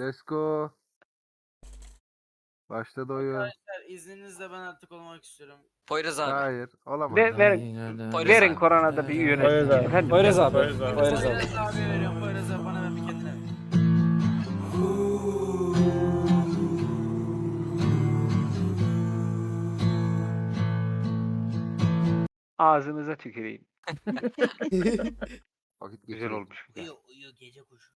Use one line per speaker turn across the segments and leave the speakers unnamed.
Let's go. Başladı oyun.
Arkadaşlar izninizle ben artık olmak istiyorum.
Poyraz abi.
Hayır. Olamaz.
Poyraz
Verin
abi.
Korona'da bir
Poyraz
yönetici.
abi.
Efendim?
Poyraz abi.
Poyraz abiye veriyorum. Poyraz abi bana ver bir kendine ver.
Ağzınıza tüküreyim.
Vakit
Güzel
geçirelim.
olmuş. bir de.
Uyu gece kuşu.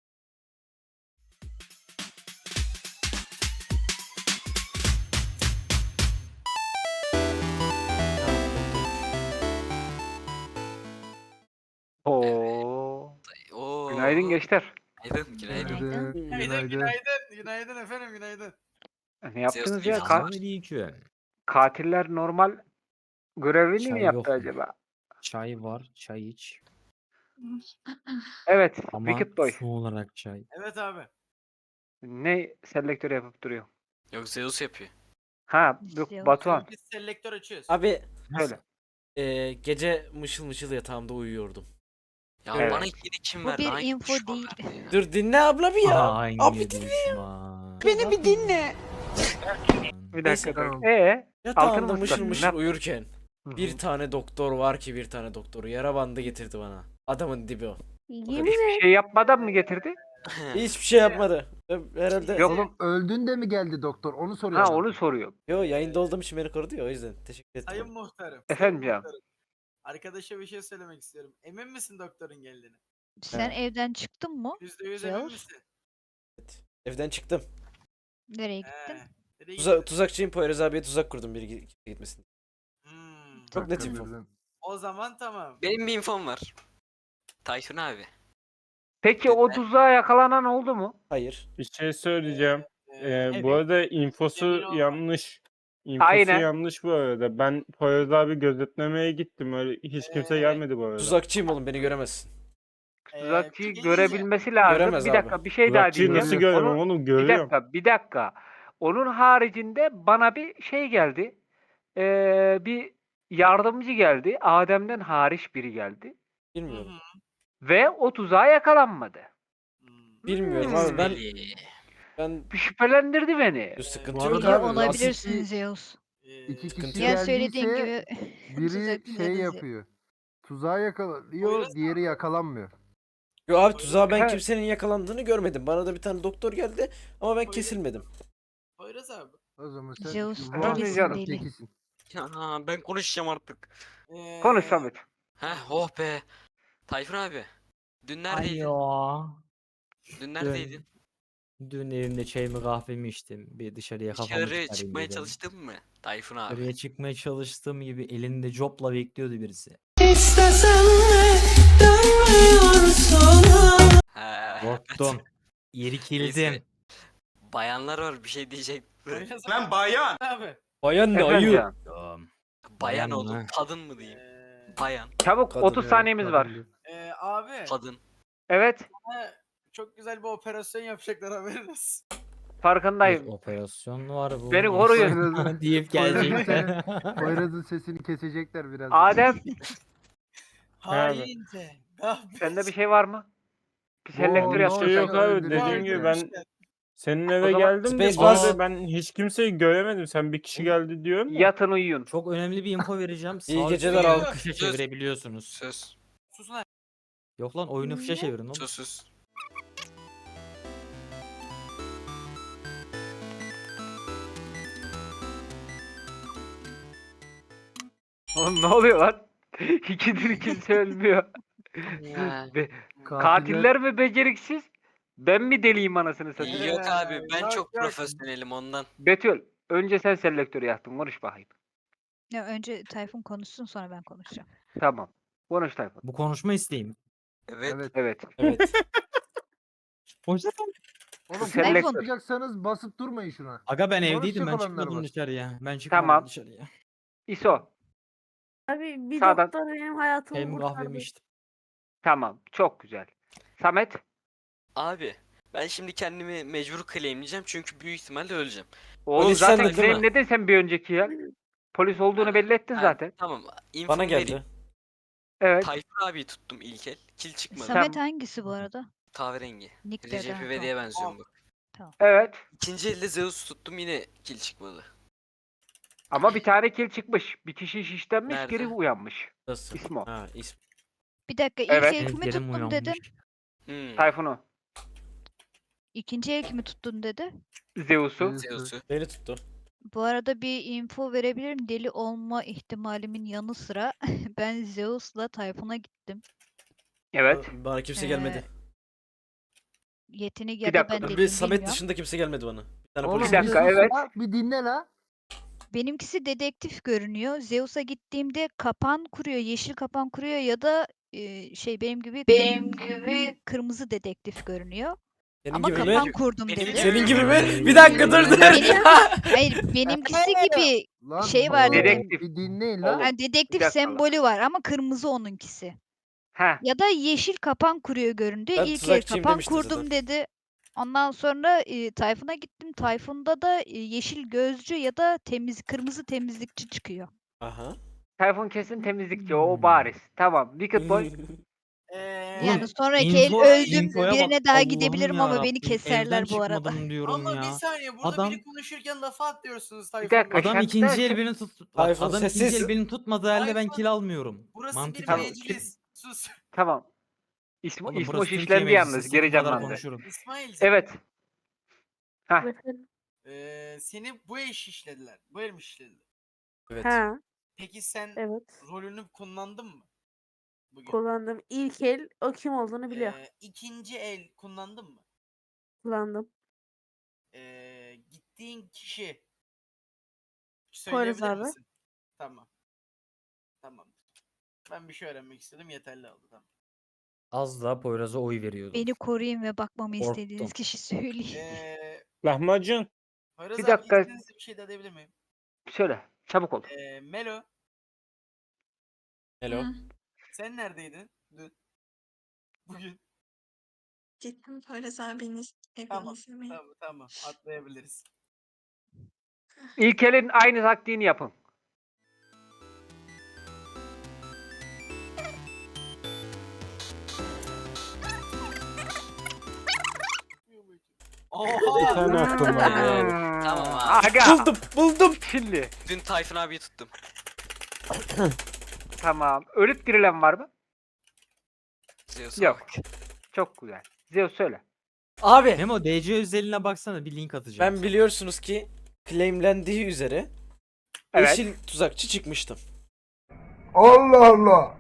Oo.
Oo.
Günaydın gençler.
Günaydın. Günaydın.
Günaydın.
Günaydın efendim günaydın.
Ne yaptınız
Zeus
ya?
iyi
Selamünaleyküm.
Katiller normal görevini mi
Çay
yaptı
yok mu?
acaba?
Çay var, çay iç.
Evet.
Ama
Wicked Boy.
su olarak çay.
Evet abi.
Ne selektör yapıp duruyor?
Yok Zeus yapıyor.
Ha, yok Batuhan.
Biz selektör açıyoruz.
Abi
Öyle.
gece mışıl mışıl yatağımda uyuyordum.
Ya
Evet.
bana ikili kim
Bu
verdi?
bir
Hangi
info
düşman
değil.
verdi ya?
Dur dinle abla bir ya.
Hangi
Abi
düşman?
Beni bir dinle.
Bir
Neyse,
dakika.
tamam.
Yatağımda
Altın
mışıl
mısın?
mışıl
Ne-
uyurken
Hı
bir
hı.
tane doktor var ki bir tane doktoru yara bandı getirdi bana. Adamın dibi o.
Hiçbir şey yapmadan mı getirdi?
Hiçbir şey yapmadı. Herhalde.
Yok.
Oğlum öldün de mi geldi doktor? Onu soruyor.
Ha
adam.
onu soruyor.
Yo yayında olduğum için beni korudu ya o yüzden. Teşekkür
Sayın
ederim.
muhtarım.
Efendim
sayın
ya.
muhtarım. Arkadaşa bir şey söylemek istiyorum. Emin misin doktorun geldiğine?
Sen
Evet.
evden çıktın mı?
%100 emin
Zeus?
misin?
Evden çıktım.
Nereye gittin?
Nereye gittin?
Tuzakçıyım, Poyraz abiye tuzak kurdum biri gitmesin. Çok net
Hakkını
info.
verdin.
O zaman tamam.
Benim bir infom var. Tayfun abi.
Peki o tuzağa yakalanan oldu mu?
Hayır.
Bir şey söyleyeceğim.
Evet.
Bu arada infosu
Emin olma.
yanlış. İnfosu
Aynen.
yanlış bu arada. Ben Poyraz abi gözetlemeye gittim. Öyle hiç kimse gelmedi bu arada.
Tuzakçıyım oğlum beni göremezsin.
Tuzakçıyı
bir şey
görebilmesi lazım.
Göremez
Bir
abi.
dakika bir şey daha
Tuzakçıyı
diyeceğim.
nasıl görmem
Onu-
oğlum?
Bir
Görüyorum.
dakika. Onun haricinde bana bir şey geldi. Bir yardımcı geldi. Adem'den hariç biri geldi.
Bilmiyorum.
Ve o tuzağa yakalanmadı.
Bilmiyorum abi ben
Deli.
ben
Şüphelendirdi beni.
bir sıkıntı
Bu
yok
arada
abi.
Olabilirsin
Asil-
Zeus.
İki
Sıkıntı
kişi
yok.
Ya söylediğin
geldiyse
gibi
biri
tuzak
şey
ya da
yapıyor. Tuzağa yakalıyor,
Poyraz
diğeri yakalanmıyor.
Yo abi tuzağa ben
Ha.
kimsenin yakalandığını görmedim. Bana da bir tane doktor geldi ama ben
Poyraz-
kesilmedim.
Poyraz abi.
O zaman sen
Zeus
şu
delisin
muhabbetin
deli.
tekisin.
Ya ben konuşacağım artık.
Konuş Samet.
Heh oh be. Tayfun abi. Dün neredeydin?
Alo.
Dün neredeydin?
Dün evimde çayımı kahvemi içtim. Bir dışarıya kafamı
Dışarı
çıkarayım
çıkmaya
dedim.
çalıştın mı? Tayfun abi.
Dışarıya çıkmaya çalıştığım gibi elinde copla bekliyordu birisi.
He.
Korktum. Yeri kildim.
Neyse. Bayanlar var bir şey diyecek.
Poyraz Lan bayan. Abi.
Bayan ne
Efendim
ayı?
canım.
Bayan
Bayan
oğlum.
mı?
Kadın mı diyeyim? Bayan.
Çabuk
Kadın
30
ya,
saniyemiz var.
Abi.
Kadın.
Evet.
Bana çok güzel bir operasyon yapacaklar haberiniz.
Farkındayım.
Bir operasyon var bu.
Beni koruyun.
deyip
Poyraz'ın
gelecekler.
Poyraz'ın sesini kesecekler biraz.
Adem
Haince.
sende bir şey var mı? Bir selektör
Oo,
yaptın.
Bir şey yok
sen.
abi.
Öldürecek
Dediğim gibi
yani.
ben senin
O
eve
zaman
geldim de
Space
bu arada
Bus.
ben hiç kimseyi göremedim. Sen bir kişi geldi diyorsun da.
Yatın uyuyun.
Çok önemli bir info vereceğim.
İyi
Sağ
geceler
üstten
abi.
Fişe
Söz.
çevirebiliyorsunuz.
Söz.
Sus lan.
Yok lan oyunu fişe
Ne?
çevirin oğlum.
Sus sus.
Oğlum ne oluyor lan? İkidir kimse ölmüyor. Be- Katiller mi beceriksiz? Ben mi deliyim anasını satayım?
Yok abi ben
Yok,
çok
yok.
profesyonelim ondan.
Betül, önce sen selektörü yaptın. Konuş bakayım.
Ya önce Tayfun konuşsun sonra ben konuşacağım.
Tamam. Konuş Tayfun.
Bu konuşma isteğim.
Evet.
Evet.
Evet.
Evet.
Oğlum
Tayfun.
konuşacaksanız basıp durmayın şuna.
Aga ben
Konuşacak
evdeydim ben
olanlar
çıkmadım
var.
dışarıya. Ben çıkmadım
Tamam.
dışarıya.
İso.
Abi bir
Sağdan.
doktor benim hayatımı
Çayımı kahvemi
kurtardı.
içtim.
Tamam. Çok güzel. Samet.
Abi ben şimdi kendimi mecbur claimleyeceğim çünkü büyük ihtimalle öleceğim.
Oğlum
Polis
zaten
sendin değil mi?
claimledin sen bir önceki ya. Polis olduğunu belli ettin
Ha,
zaten.
Tamam. Info
Bana
vereyim.
geldi.
Evet.
Tayfun abiyi tuttum ilk el. Kil çıkmadı.
Samet hangisi bu arada?
Kahverengi.
Nick
Recep
Deden,
İvedik'e benziyorum bak.
Evet.
İkinci elde Zeus tuttum yine kill çıkmadı.
Ama bir tane kill çıkmış. Bir kişi şişlenmiş,
Nerede?
geri uyanmış.
Nasıl?
İsmo.
Ha ismi.
Bir dakika ilk
Evet.
el kimi
Ezgilerim
tuttun
uyanmış.
dedim.
Tayfun'u.
İkinci el kimi tuttun dedi.
Zeus'u.
Zeus'u.
Beni tuttu.
Bu arada bir info verebilirim. Deli olma ihtimalimin yanı sıra ben Zeus'la Tayfun'a gittim.
Evet.
Bana kimse gelmedi.
Yetenek
Bir
ya da
dakika,
ben
Bir
deliyim
Samet
bilmiyorum.
dışında kimse gelmedi bana. Bir tane
Oğlum
polis
bir
bir
dakika,
sus
evet.
la, bir dinle la.
Benimkisi dedektif görünüyor. Zeus'a gittiğimde kapan kuruyor, yeşil kapan kuruyor ya da benim gibi kırmızı dedektif görünüyor.
Senin
Ama
gibi mi?
kapan kurdum
Benim
dedi.
gibi.
Senin gibi mi? Bir dakika dur dur.
Hayır, benimkisi gibi
Lan
şey var
oğlum,
dedim.
Dedektif.
Bir dinleyin
Oğlum.
la.
Yani dedektif
dakika lan.
sembolü var ama kırmızı onunkisi.
Heh.
Ya da yeşil kapan kuruyor göründü.
Ben
İlk el
tuzakçıyım
kapan
demiştim
kurdum
zaten.
dedi. Ondan sonra Tayfun'a gittim. Tayfun'da da yeşil gözcü ya da kırmızı temizlikçi çıkıyor.
Aha.
Tayfun kesin temizlikçi. O bariz. Tamam. Wicked Boy.
Yani sonraki
info-
el öldüm.
infoya bak,
Birine daha
Allah'ım
gidebilirim ama beni
yarabbim,
keserler
evden
bu arada.
çıkmadım diyorum
Allah
ya.
bir saniye burada
Adam-
biri konuşurken lafa atlıyorsunuz Tayfun
dakika,
Bey.
Adam
Şarkı
ikinci
derken-
el beni tut. Bak,
Tayfun,
adam ikinci
sessiz.
el beni tutmadığı halde ben
Tayfun,
kill almıyorum.
Burası
Mantık
bir
Tamam.
meclis. Sus.
Tamam. İsmo,
Oğlum
İsmo
burası Türkiye
şişlendi
meclisi,
yalnız.
istediğim
Geri
kadar
canlandı.
konuşurum.
İsmail'cim.
Evet. Hah.
Efendim?
Seni bu el şişlediler. Bu el mi şişledi?
Evet.
Ha,
Peki sen
evet.
rolünü kullandın mı? Bugün.
Kullandım. İlk el o kim olduğunu biliyor.
İkinci el kullandın mı?
Kullandım.
Gittiğin kişi
Poyraz
söyleyebilir
abi.
misin? Tamam. Tamam. Ben bir şey öğrenmek istedim. Yeterli oldu. Tamam.
Az daha Poyraz'a oy veriyordum.
Beni koruyun ve bakmamı
Korktum.
istediğiniz kişi söyleyin.
Lahmacun.
Poyraz
Bir
abi
dakika.
izninizle bir şey de edebilir miyim?
Söyle. Çabuk ol.
Melo
Hello.
sen neredeydin dün? Bugün.
Gittim Poyraz abinin evini
Tamam.
izlemeye.
Tamam. Atlayabiliriz.
İlk elin aynı taktiğini yapın.
Bir tane aklım var yani.
Tamam abi.
Aga.
Buldum.
Şimdi.
Dün Tayfun abiyi tuttum.
Tamam. Ölüp dirilen var mı?
Zeus'a
Yok.
bak.
Çok güzel. Zeus söyle.
Abi
Memo DC özeline baksana, bir link atacağım.
ben biliyorsunuz ki claimlendiği üzere
Evet.
yeşil tuzakçı çıkmıştım.
Allah Allah.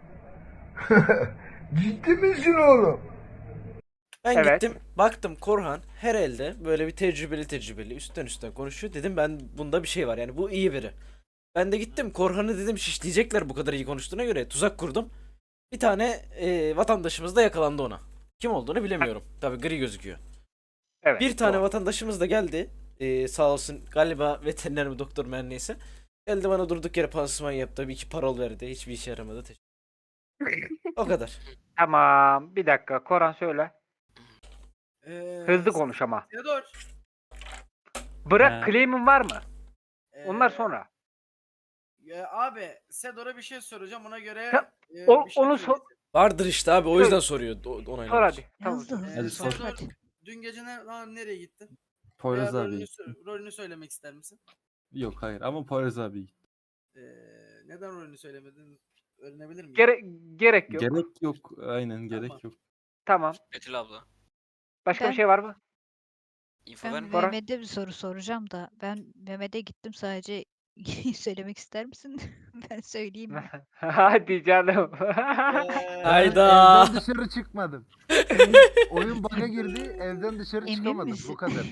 Ciddi misin oğlum?
Ben
Evet.
gittim baktım Korhan her elde böyle bir tecrübeli üstten konuşuyor. Dedim ben bunda bir şey var yani bu iyi biri. Ben de gittim Korhan'ı dedim şişleyecekler bu kadar iyi konuştuğuna göre tuzak kurdum. Bir tane vatandaşımız da yakalandı ona. Kim olduğunu bilemiyorum. Tabii gri gözüküyor.
Evet.
Bir tane
doğru.
vatandaşımız da geldi. Sağ olsun galiba veteriner mi doktor mu her neyse. Geldi bana durduk yere pansuman yaptı. Bir iki parol verdi. Hiçbir işe yaramadı. O kadar.
Tamam. Bir dakika. Koran söyle. Hızlı konuş ama.
Theodor.
Bırak
He.
claim'in var mı? Onlar
ee,
sonra.
Abi Sedor'a bir şey soracağım ona göre
Ta-
bir
o-
şey
onu
söyleyeceğim.
Vardır işte abi o yüzden soruyor. Onaylamak
Sor
için.
hadi. Tamam.
Hızlı
Ee,
hızlı sor
Sedor,
hadi.
dün gece nereye gittin?
Poyraz
Veya
abi.
rolünü söylemek ister misin?
Yok hayır ama Poyraz abi.
Neden rolünü söylemedin? Öğrenebilir miyim?
Gerek yok.
Gerek yok. Aynen gerek
Tamam.
yok.
Tamam.
Betül abla.
Başka
Ben-
bir şey var mı?
İnfo
Ben
verme.
Bora.
Mehmet'e bir soru soracağım da ben Mehmet'e gittim sadece söylemek ister misin? Ben söyleyeyim mi?
Hadi canım.
Hayda.
Evden dışarı çıkmadım. Oyun bug'a girdi, evden dışarı
Emin
çıkamadım.
misin?
Bu kadar.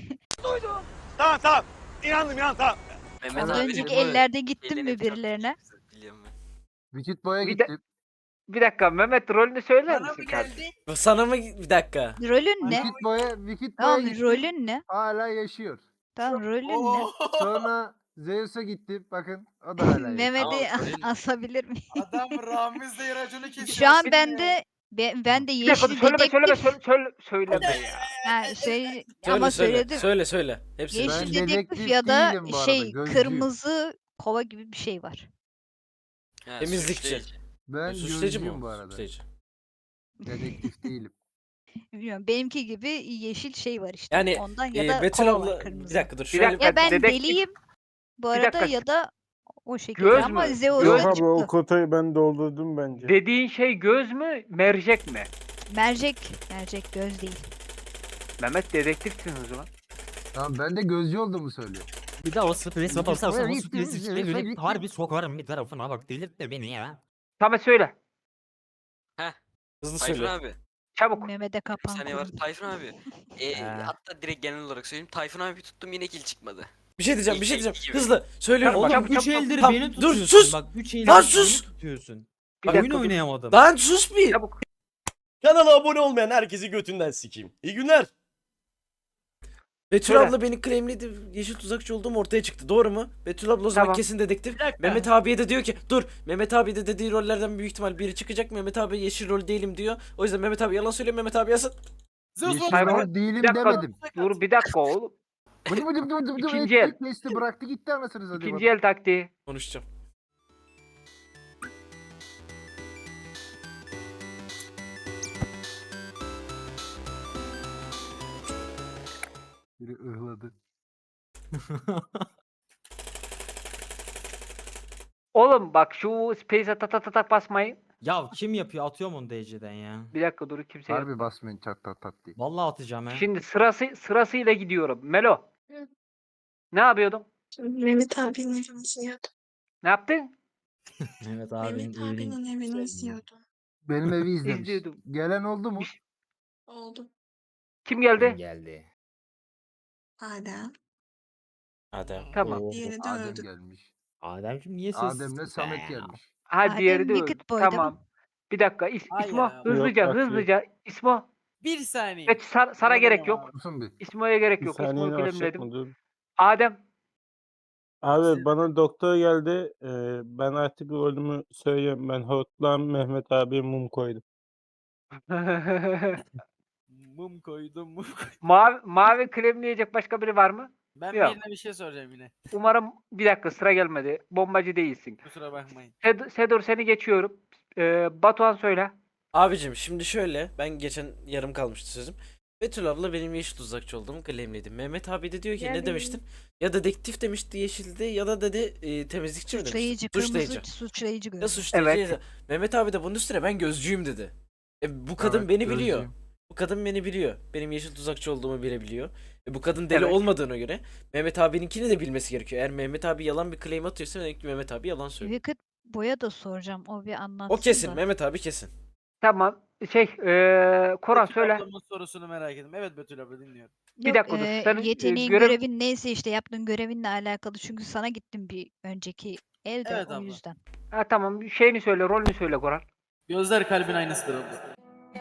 Mehmet
Az
abi
önceki
bu
ellerde gittin
elini
mi
bir tatlı
birilerine?
çekti, biliyorum ben.
Wicked Boy'a
Bir de-
gittim.
Bir dakika Mehmet rolünü söyler
Bana
misin
mı
kardeşim?
geldi?
Sana mı bir dakika.
Rolün ne?
Wicked Boy'a
Tamam
gittim.
rolün ne?
Hala yaşıyor.
Tamam rolün ne?
Oo,
Sonra Zeus'a gittim. Bakın o da hala yaşıyor.
Mehmet'i
Tamam, rolün ne?
asabilir miyim?
Adam Ramiz'le raconu kesiyor.
Şu an
seni.
ben de
Bir dakika
yeşil
söyleme
dedektif.
söyleme ya.
Ha, ama söyledim.
Söyle. Hepsini.
Yeşil
Ben
dedektif
dedektif
ya da
değilim bu arada, gözcüyüm.
kırmızı kova gibi bir şey var.
Ha,
Temizlikçi.
suçlayıcı.
Ben
Suçlayıcı
gözcüyüm
mı?
bu arada.
Suçlayıcı.
Dedektif değilim.
Bilmiyorum. Benimki gibi yeşil şey var işte.
Yani
Ondan ya da
Betül
kova var
abla bir
kırmızı.
dakika dur.
Bir
Şöyle
dakika.
Ya ben
dedektif-
deliyim bu
Bir
arada
dakika.
ya da o şekilde
Göz
ama
mü?
Zeus'ta
Yok
Göz-
abi o
çıktı.
kotayı ben doldurdum bence.
Dediğin şey göz mü, mercek mi?
Mercek göz değil.
Mehmet dedektifsin o zaman.
Tamam ben de gözcü olduğumu söylüyorum.
Bir daha o sprey
Gittim,
basarsan o
gittim,
sprey
gittim,
böyle
gittim.
harbi sokarım bir tarafına bak delirtme beni ya.
Tamam söyle.
hızlı
Tayfun
söyle.
abi.
Çabuk.
Mehmet'e
Bir
kapan
saniye var.
kurun.
Tayfun abi. Hatta direkt genel olarak söyleyeyim. Tayfun abi tuttum yine kill çıkmadı.
Bir şey diyeceğim, bir şey
İyi,
diyeceğim.
iyi gibi.
Hızlı söylüyorum.
Tamam,
Oğlum
Oğlum,
3 eldir
Tamam,
beni
dur,
tutuyorsun.
sus!
Bak 3 eldir
Lan
beni
sus!
tutuyorsun.
Bir
Oyun
dakika dur.
oynayamadım.
Lan sus bir.
Çabuk.
Kanala abone olmayan herkesi götünden sikeyim. İyi günler.
Betül
Söyle.
abla beni claimledi. Yeşil tuzakçı olduğum ortaya çıktı. Doğru mu? Betül abla o zaman
Tamam.
kesin dedektif.
Bir dakika.
Mehmet abiye de diyor ki dur. Mehmet abi de dediği rollerden büyük ihtimal biri çıkacak. Mehmet abi yeşil rol değilim diyor. O yüzden Mehmet abi yalan söylüyor. Mehmet abi yazsın.
Yeşil
Tayfun,
rol değilim
bir dakika.
demedim.
Dur bir dakika oğlum.
Bıdı bıdı bıdı bıdı bıdı
İkinci el.
kesti bıraktı gitti anasını satayım.
İkinci el taktiği.
Konuşacağım.
Biri ıhladı.
Oğlum bak şu space'e ta basmayın.
Ya kim yapıyor? Atıyorum onu DC'den ya.
Bir dakika dur kimseye.
Harbi basmayın çat tat tat diye.
Vallahi atacağım he.
Şimdi sırasıyla gidiyorum. Melo.
Hı.
Ne yapıyordun?
Mehmet abinin evini izliyordum.
Ne yaptın?
Mehmet abinin
Mehmet
evini.
abinin evini izliyordum.
Benim evi izlemiş.
İzliyordum.
Gelen oldu mu?
Oldu.
Kim geldi?
Geldi.
Adem.
Hadi.
Tamam.
Diğeri de
Adem
öldü.
gelmiş.
Ademciğim niye sessiz?
Adem'le Samet gelmiş.
Ha diğeri
Adem
de öldü.
Wicked Boy'da mı?
Tamam. Bir dakika.
Hayır
İsmo
ya.
hızlıca
Yok, atıyor.
hızlıca. İsmo.
Bir saniye.
Geç Sara gerek yok.
Susun bir.
İsmo'ya gerek
Bir
yok.
saniye
İsmo'yu
yavaş
kalemledim.
yapma dur.
Adem.
Abi bana doktor geldi. Ben artık rolümü söyleyeyim. Ben Hortlan Mehmet abiye mum koydum.
Mum koydum mum koydum.
mavi kremleyecek başka biri var mı?
Ben
Yok.
birine bir şey soracağım yine.
Umarım bir dakika sıra gelmedi. Bombacı değilsin.
Kusura bakmayın.
Sedur seni geçiyorum. Batuhan söyle.
Abicim şimdi şöyle. Ben geçen yarım kalmıştı sözüm. Betül abla benim yeşil tuzakçı olduğumu claimledi. Mehmet abi de diyor ki ne
Yani-
demiştin? Ya dedektif demişti yeşilde ya da dedi temizlikçi mi
Suçlayıcı,
demiştin?
kırmızı suçlayıcı
Ya
görünüyor.
suçlayıcı.
Evet.
ya da- Mehmet abi de bunun üstüne ben gözcüyüm dedi. Bu kadın
Evet,
beni biliyor.
gözcüyüm.
Bu kadın beni biliyor. Benim yeşil tuzakçı olduğumu bilebiliyor. Bu kadın deli
Evet.
olmadığına göre Mehmet abininkini de bilmesi gerekiyor. Eğer Mehmet abi yalan bir claim atıyorsa demek ki Mehmet abi yalan söylüyor.
Wicked Boy'a da soracağım. O bir anlatsın
O kesin.
da.
Mehmet abi kesin.
Tamam. Koran
Betül
söyle.
ablamın sorusunu merak ettim. Evet Betül abla dinliyorum.
Bir
Yok,
dakika dur. Senin,
yeteneğin,
görev-
görevin neyse işte yaptığın görevinle alakalı. Çünkü sana gittim bir önceki elde
Evet
o
abla.
yüzden.
Ha tamam. Şeyini söyle. Rolünü söyle Koran.
Gözler kalbin aynısıdır abla.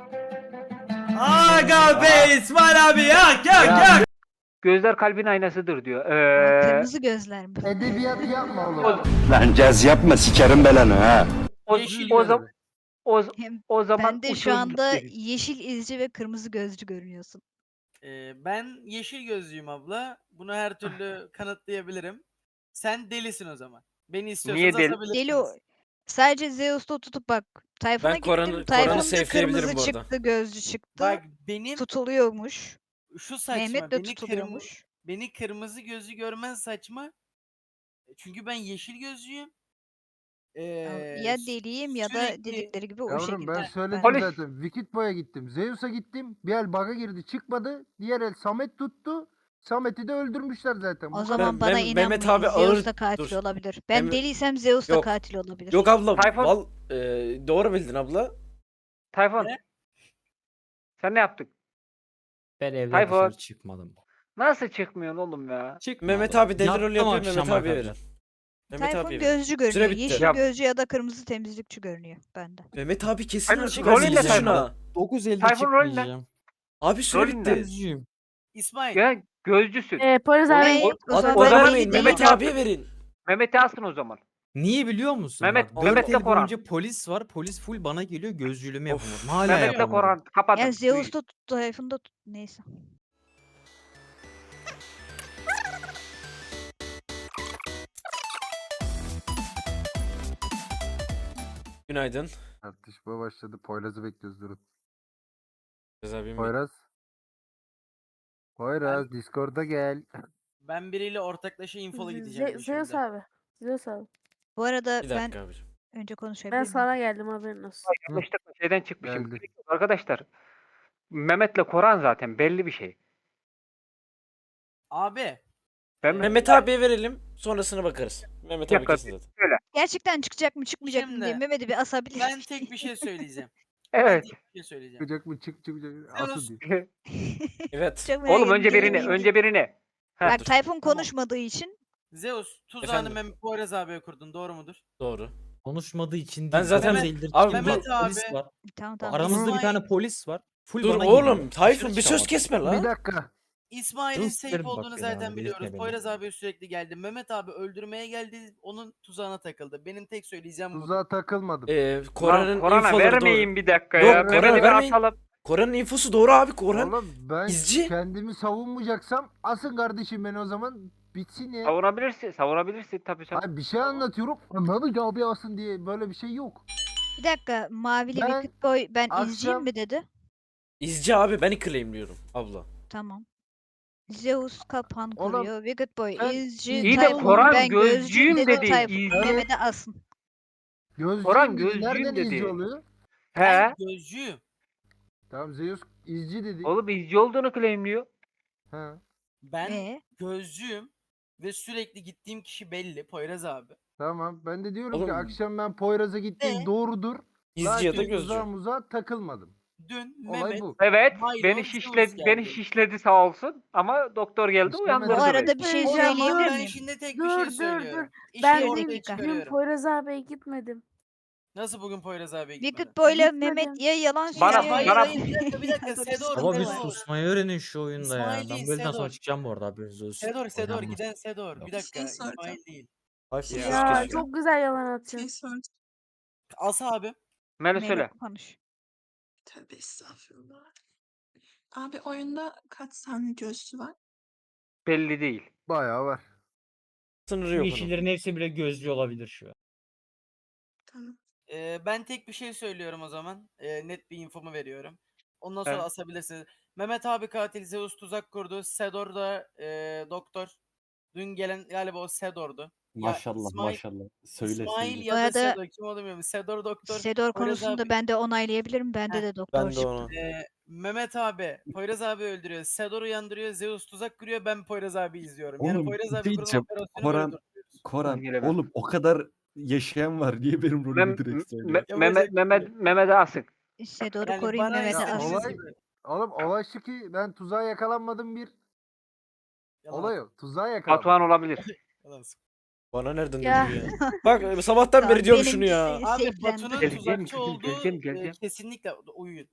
Aga be İsmail abi yak.
Gözler kalbin aynasıdır diyor.
Kırmızı gözler mi?
Edebiyat yapma oğlum.
Lan caz yapma sikerim belanı ha.
Yeşil
o,
gözlü.
zaman
Hem
o zaman
ben de şu
uçurum
anda
gitti.
yeşil izci ve kırmızı gözcü görünüyorsun.
Ben yeşil gözlüyüm abla. Bunu her türlü kanıtlayabilirim. Sen delisin o zaman. Beni istiyorsanız
deli?
asabilirsiniz.
Deli o. Sadece Zeus'ta tutup bak. Tayfun'a
Ben Koran'ı-
gittim.
Koran'ı
Tayfun'da
safe'leyebilirim
kırmızı
bu arada.
çıktı, gözcü çıktı.
Bak benim
Tutuluyormuş.
şu saçma.
Mehmet de
Beni,
tutuluyormuş.
beni kırmızı gözlü görmen saçma. Çünkü ben yeşil gözlüyüm.
Ya deliyim ya da
sürekli-
dedikleri gibi o
Yavrum
şekilde.
ben söyledim
Polis.
zaten. Wicked Boy'a gittim. Zeus'a gittim. Bir el bug'a girdi çıkmadı. Diğer el Samet tuttu. Samet'i de öldürmüşler zaten. Bu
O
kadar.
zaman bana
Mehmet
inanmayın.
abi
Zeus
ağır-
da katil
dur.
olabilir. Ben
Mehmet-
deliysem Zeus da
Yok.
katil olabilir.
Yok abla.
Tayfun.
Doğru bildin abla.
Tayfun.
Ne?
Sen ne yaptın?
Ben evden
Tayfun.
dışarı çıkmadım.
Nasıl çıkmıyorsun oğlum ya?
Mehmet abi deli
Yattım
rol yapıyor.
akşam
Mehmet abiye verin.
arkadaşlar.
Mehmet
Tayfun
abiye verin.
gözcü görünüyor.
Süre bitti.
Yeşil
Yap.
gözcü ya da kırmızı temizlikçi görünüyor bende.
Mehmet abi kesin
Hadi
açık.
rolün
Rolün
ne Tayfun?
şuna.
9 elde
Tayfun rolün ne?
çıkmayacağım.
Abi süre
Rolün ne?
bitti.
Gözcüyüm.
İsmail.
Ya gözcüsün.
Poyraz abi.
Hey, o zaman
O
ben
zaman
deli
Mehmet
değilim.
abiye verin.
Mehmet'i asın o zaman.
Niye biliyor musun?
Mehmet-
Bak,
Mehmet
4
de
el
Koran.
boyunca polis var. Polis full bana geliyor. Gözcülüğümü yapamadım. Hala
Mehmet'le
yapamadım.
Koran kapadım.
Ya Zeus da tuttu, Tayfun da tuttu. Neyse.
Günaydın.
Tartışma başladı. Poyraz'ı bekliyoruz durun.
Poyraz abim.
Poyraz. Poyraz Discord'a gel.
Ben biriyle ortaklaşa infolu gideceğim
Zeus
yeşilde.
abi. Zeus abi.
Bu arada
Bir
ben
dakika abicim.
önce
Ben
konuşabilir miyim?
sana geldim haberin olsun.
Yanlışlıkla şeyden çıkmışım.
Geldi.
Arkadaşlar Mehmet'le Koran zaten belli bir şey.
Abi
Ben
Mehmet abiye verelim. Sonrasına bakarız. Mehmet
Bir
abi
dakika,
kesin zaten.
Gerçekten çıkacak mı çıkmayacak mı diye
Şimdi,
Mehmet'i bir asabilir
ben
miyim?
tek bir şey söyleyeceğim.
Evet.
Ben tek bir şey söyleyeceğim.
Çıkacak mı çıkacak.
Zeus,
Asıl diyor.
Evet.
Çok merak
Oğlum
ettim,
önce
gelir
birini,
miyim?
önce birini. Heh,
Bak
dur.
Tayfun
Tamam.
konuşmadığı için
Zeus tuzağını
Efendim?
Poyraz abiye kurdun, doğru mudur?
Doğru.
Konuşmadığı için
Ben
değil.
zaten-
Mehmet, değildir.
Abi
Çünkü
Mehmet abi-
polis var.
tamam tamam.
Aramızda bir
İsmail-
tane polis var. Full
Dur
bana
oğlum.
geliyor.
Tayfun
Dışarı
bir söz
çıkamadım.
kesme
Bir
lan.
dakika.
İsmail'in
Zeus
safe
derim
olduğunu
bak
zaten
beni abi,
biliyoruz.
delirtme beni.
Poyraz abi sürekli geldi. Mehmet abi öldürmeye geldi. Onun tuzağına takıldı. Benim tek söyleyeceğim bu.
Tuzağa takılmadım.
Koran'ın
Korana
infoları
vermeyin
doğru.
bir dakika
Yok,
ya.
Korana
Mehmet'i bir
vermeyin.
atalım.
Koran'ın infosu doğru abi. Koran
Oğlum ben
izci.
kendimi savunmayacaksam asın kardeşim beni o zaman bitsin ya.
Savunabilirsin. Savunabilirsin tabii sen.
Hayır bir şey anlatıyorum. Mehmet abi asın diye böyle bir şey yok.
Bir dakika Mavili
Ben
Wicked Boy ben izciyim
akşam-
mi dedi?
İzci abi, ben claimliyorum abla.
Tamam. Zeus kapan
Oğlum,
kuruyor. Wicked Boy
sen
izci.
İyi de
Tayfun
Koran
ben
gözcüyüm dedi.
Tayfun
İzci.
Mehmet'e asın.
Gözcüyüm
Orhan
dedi. Nereden
gözcüyüm dedi.
izci oluyor?
Ben
He.
gözcüyüm.
Tamam Zeus izci dedi.
Oğlum izci olduğunu claimliyor.
He.
Ben gözcüyüm. Ve sürekli gittiğim kişi belli. Poyraz abi.
Tamam ben de diyorum
Oğlum-
ki akşam ben Poyraz'a gittim
Ne?
doğrudur.
İzci ya da
Lakin
gözcü.
tuzağa muzağa takılmadım.
Dün
Olay
Mehmet
bu.
Evet.
Milo,
Beni
Zeus
şişledi,
geldi.
beni şişledi sağ olsun. Ama doktor geldi
İşlemedi.
uyandırdı
Bu
Dur,
arada
beni.
bir şey
O zaman
söyleyebilir
ben
miyim?
şimdi tek
Dur,
bir şey
dur,
söylüyorum. İşi
Ben
ortaya
dün
çıkarıyorum.
Poyraz abiye gitmedim.
Nasıl bugün Poyraz abiye gitmedin?
Wicked Boy'la
Gitmedim.
Mehmet ya yalan
Bana-
söylüyor
hayır
ya-
bana-
hayır bir dakika
Dur,
Sedor.
Ama bir
Sedor.
susmayı öğrenin şu oyunda ya.
İsmail
Ben
değil,
bu elden
Sedor.
sonra çıkacağım bu arada haberiniz olsun.
Sedor
Oynanmaz.
giden Sedor. Bir
Yok.
dakika
Şey soracağım.
İsmail değil.
Tayfun
Ya.
söz
Ya
kesiyor.
çok güzel yalan
Şey
atıyor.
soracağım.
Asa abi.
Melo
Mehmet
söyle.
konuş.
Tövbe estağfurullah. Abi oyunda kaç tane gözcü var?
Belli değil.
Bayağı var.
Sınırı yok onun.
Yeşillerin hepsi bile gözcü olabilir şu an.
Tamam.
Ben tek bir şey söylüyorum o zaman. Net bir infomu veriyorum. Ondan sonra
Evet.
asabilirsiniz. Mehmet abi katil, Zeus tuzak kurdu. Sedor da doktor. Dün gelen galiba o Sedor'du.
Maşallah
İsmail-
maşallah. Söyle
İsmail
söyle.
ya da
Bu arada-
Sedor kim olduğunu bilmiyorum. Sedor doktor.
Sedor
Poyraz
konusunda
abi-
ben de onaylayabilirim. Bende
Heh,
de doktor
Ben de
çıktı.
onu.
Mehmet abi Poyraz abi öldürüyor. Sedor uyandırıyor. Zeus tuzak kuruyor. Ben Poyraz abi izliyorum. Yani
Oğlum,
Poyraz
bir
abi
şey
kurulan
diyeceğim.
operasyonu böyle
Koran-
durduruyoruz.
Koran
Gelemem.
oğlum o kadar yaşayan var. Niye benim rolümü direkt söylüyorsun?
Mehmet'e asık.
Sedor'u
Yani
koruyun
bana
Mehmet'e
istediğiniz
asın.
olay-
gibi.
Oğlum olay şu ki ben tuzağa yakalanmadım bir.
Yalan
Olay o. Tuzağa yakalandım.
Batuhan olabilir.
yalan.
Bana nereden
Ya.
döndü ya? Bak sabahtan
Tamam,
beri diyorum şunu
benimkisi-
ya.
Abi
Safe'lendi.
Batu'nun
Geleceğim,
tuzakçı olduğu
geleceğim.
kesinlikle uyuyun.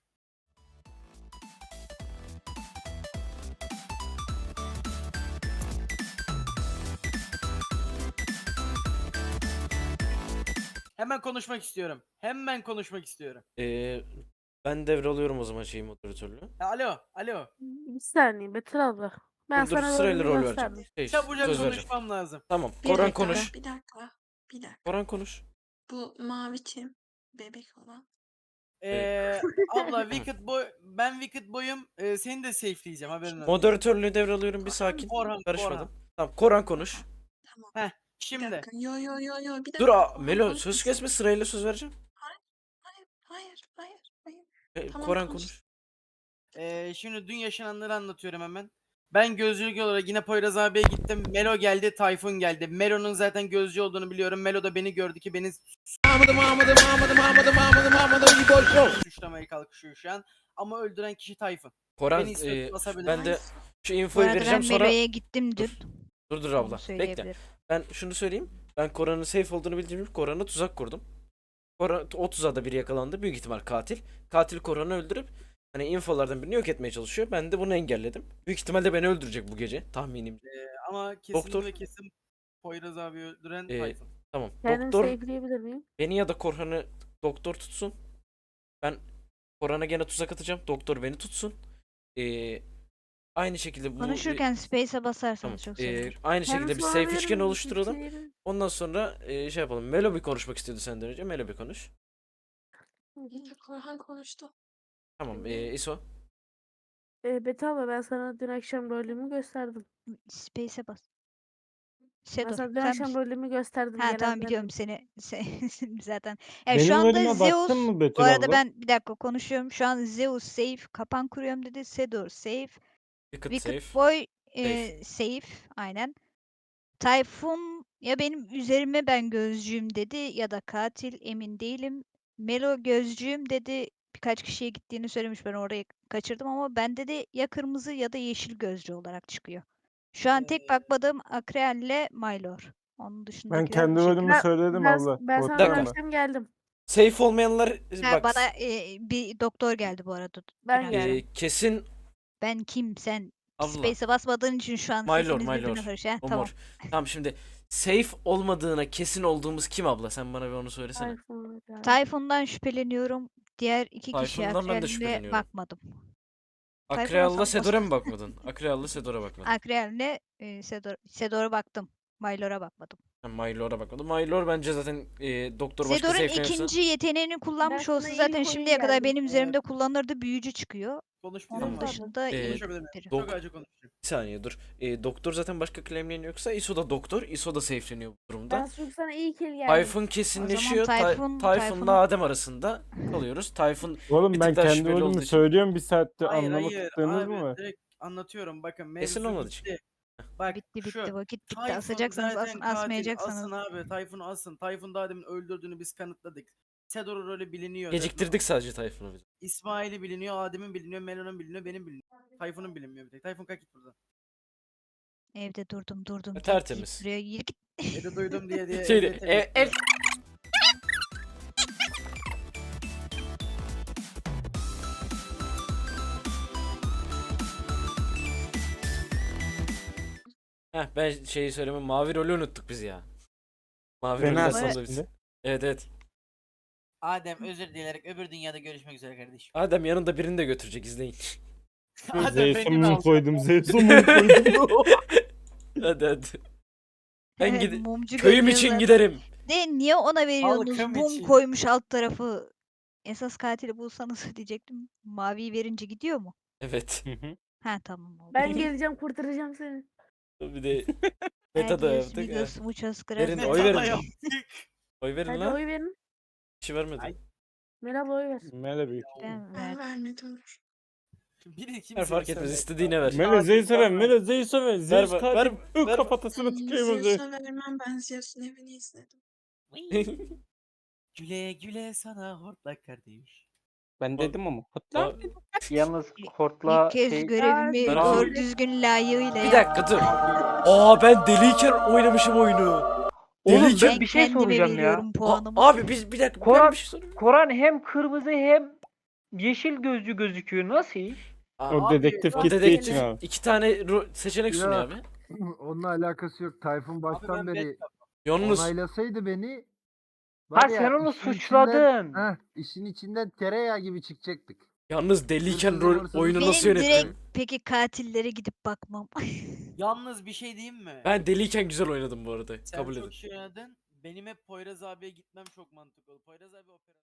Hemen konuşmak istiyorum. Hemen konuşmak istiyorum.
Ben devralıyorum o zaman şeyi moderatörlüğü.
Alo.
Bir saniye Betül abla. Ben
Dur
sana
sırayla
rolümü
rol
gösterdim.
vereceğim. Şey,
Çabucak
söz vereceğim.
konuşmam lazım.
Tamam.
Bir
Koran
dakika.
konuş.
Bir dakika. Bir dakika.
Koran konuş.
Bu mavi kim? Bebek olan.
Abla ben Wicked Boy'um. Seni de safe'leyeceğim haberin olsun.
Moderatörlüğü devralıyorum bir sakin.
Korhan.
Karışmadım. Tamam Koran konuş.
Tamam. Bir
Şimdi
dakika. Yo. Bir dakika.
Dur Melo
Konuş
söz
bir
kesme sırayla söz vereceğim.
Hayır. Tamam,
Koran
konuş.
konuş.
Şimdi dün yaşananları anlatıyorum hemen. Ben gözcülük olarak yine Poyraz abiye gittim. Melo geldi, Tayfun geldi. Melo'nun zaten gözcü olduğunu biliyorum. Melo da beni gördü ki beni suçlamaya kalkışıyor şu an. Ama öldüren kişi Tayfun.
Koran
Beni istiyorsan basabilirsin.
ben de şu
Bu
infoyu
arada
vereceğim
ben
sonra.
Melo'ya gittim dün.
Dur
Onu
abla. Bekle.
söyleyebilirim.
Ben şunu söyleyeyim. Ben Koran'ın safe olduğunu bildiğim için Koran'a tuzak kurdum. Koran, o tuzağa da biri yakalandı. Büyük ihtimal katil. Katil Koran'ı öldürüp hani infolardan birini yok etmeye çalışıyor. Ben de bunu engelledim. Büyük ihtimalle beni öldürecek bu gece tahminim.
Ama kesin
Doktor.
ve kesin Poyraz abi öldüren
Ee,
Tayfun.
Tamam.
Kendimi
Doktor
safe'leyebilir miyim?
beni ya da Korhan'ı doktor tutsun. Ben Korhan'a gene tuzak atacağım. Doktor beni tutsun. Aynı şekilde bu
Konuşurken space'e
tamam.
basarsanız çok sevinirim.
Aynı şekilde bir
Kendisi
safe
olabilir
üçgen
mi?
oluşturalım.
Kimseyi-
Ondan sonra şey yapalım. Melo bir konuşmak istiyordu senden önce. Melo bir konuş.
Korhan konuştu.
Tamam. İso.
Betül abla ben sana dün akşam rolümü gösterdim.
Space'e bas.
Ben
Sedor,
sana dün
sen
akşam
misin?
rolümü gösterdim.
Ha tamam
gelenlerden.
biliyorum seni. Zaten. Yani şu
Benim
anda
rolüme
Zeus,
baktın mı
bu
Betül
arada
abla?
ben bir dakika konuşuyorum. Şu an Zeus safe, kapan kuruyorum dedi. Sedor safe,
Wicked
Wicked
safe.
Boy
Safe.
safe, aynen. Tayfun ya benim üzerime ben gözcüyüm dedi ya da katil emin değilim. Melo gözcüyüm dedi. Birkaç kişiye gittiğini söylemiş, ben orayı kaçırdım ama bende de ya kırmızı ya da yeşil gözcü olarak çıkıyor. Şu an tek bakmadığım Akreal ile Maylor. Onun
Ben
dışındakiler
kendi
bu şekilde.
rolümü söyledim abla.
Ben sana dün
dakika.
Korkma.
akşam geldim.
Safe olmayanlar
Ha,
bak
bana bir doktor geldi bu arada.
Ben
dün
geldim.
akşam.
kesin
Ben kim sen?
abla.
Space'e basmadığın için şu an
Maylor,
sesiniz birbirine
Maylor.
karışıyor. Ha,
O
tamam.
mor. Tamam şimdi safe olmadığına kesin olduğumuz kim abla? Sen bana bir onu söylesene.
Tayfun abi.
Tayfun'dan şüpheleniyorum. Diğer iki kişi
Tayfun'dan ben de
Akreal'le
şüpheleniyorum.
bakmadım. Tayfun'a
Akreal'la
sal-
Sedor'a mı bakmadın? Akreal'la Sedor'a bakmadın.
Akreal'le Sedor'a baktım. Maylor'a bakmadım.
Ben Maylor'a bakmadım. Maylor bence zaten doktor başka
Sedor'un
safe'lenirse.
ikinci yeteneğini kullanmış
sana
olsa
iyi
zaten
bir
şimdiye
oyun
kadar
geldi.
benim üzerimde kullanırdı, büyücü çıkıyor.
Konuşmayacağım
Onun
ama.
dışında iyi
Konuşabilir miyim?
biri.
Çok acı konuşacağım.
Bir saniye dur. Doktor zaten başka claimleyen yoksa ISO da doktor. ISO da safe'leniyor bu
Ben
durumda.
çünkü sana iyi kill geldim.
Tayfun kesinleşiyor.
Tayfun'un-
Tayfun'la Adem arasında kalıyoruz. Tayfun
Oğlum
bir
ben
tık daha
kendi
şüpheli olduğu
rolümü
için.
söylüyorum bir saatte
Hayır
anlamadınız
abi
mı?
direkt anlatıyorum. Bakın
Kesin
mevzu
olmadı çünkü.
bitti. Bak
Bitti
şu
vakit bitti.
Tayfun
Asacaksanız
zaten
asın,
katil.
asmayacaksanız.
Asın abi. Tayfun'u asın. Tayfun daha demin öldürdüğünü biz kanıtladık. Sedor'un rolü biliniyor.
Geciktirdik sadece Tayfun'u biz.
İsmail'i biliniyor, Adem'in biliniyor, Melo'nun biliniyor, benim biliniyor. Tayfun'un bilinmiyor bir tek. Tayfun kalk git buradan.
Evde durdum. Git,
Tertemiz.
Git buraya git.
Evde duydum diye
Şey,
evde temizliyor.
Ben şeyi söyleme, mavi rolü unuttuk biz ya. Mavi
Beni
roller
asın
sonunda biz.
şimdi.
Evet.
Adem özür dileyerek öbür dünyada görüşmek üzere kardeşim.
Adem yanında birini de götürecek, izleyin.
Adem
Zeus'a
beni de
mum
al.
koydum. Zeus'a mum koydum.
hadi. Ben
Evet,
gide
mumcu
köyüm
görünüyor
için
zaten.
giderim.
De niye ona veriyorsunuz?
Halkım
Mum
için.
koymuş alt tarafı. Esas katili bulsanız diyecektim. Maviyi verince gidiyor mu?
Evet.
Ha tamam oldu.
Ben geleceğim kurtaracağım seni.
Bir de beta da
Adios,
yaptık.
amigos, muchas
Verin,
gracias.
oy
Meta da
verin.
yaptık.
Oy verin
Hadi
lan.
oy verin.
Kişi vermedi.
Ay.
Merhaba oy ver.
Mele büyük.
Ben
Ben
verdim.
vermedim.
Biri
Ver
kimseye
fark etmez,
söyle.
istediğine ver.
Mele Zeus'a ver. Mele Zeus'a ver. Zeus
ver,
katil.
ver.
Kafatasına tıkayım o Zeus.
Zeus'a vermem, ben Zeus'un evini izledim.
Güle güle sana hortlak kardeş.
Ben dedim ama.
Yalnız hortla
İlk kez
şey
görevimi
Ben
doğru
özür-
düzgün layığıyla
Bir dakika dur. Ben deliyken oynamışım oyunu.
Oğlum
Deliyken
ben bir şey
kendime
soracağım ya.
veriyorum puanımı.
Abi biz bir dakika, ben
Koran,
bir şey sorayım.
Koran hem kırmızı hem yeşil gözlü gözüküyor. Nasıl iş?
O dedektif
O
gittiği
dedektif
için abi.
2 tane seçenek sunuyor
Yok.
abi.
Onunla alakası yok. Tayfun baştan
ben
beri
Yalnız
onaylasaydı beni
Ha sen onu
işin
suçladın.
işin içinden tereyağı gibi çıkacaktık.
deliyken
Hırsız
oyunu
Benim
nasıl yönettim?
direkt peki katillere gidip bakmam.
Yalnız bir şey diyeyim mi?
Ben deliyken güzel oynadım bu arada.
Sen
Kabul
çok
edin.
şey oynadın. Benim hep Poyraz abiye gitmem çok mantıklı oldu. Poyraz abi opera.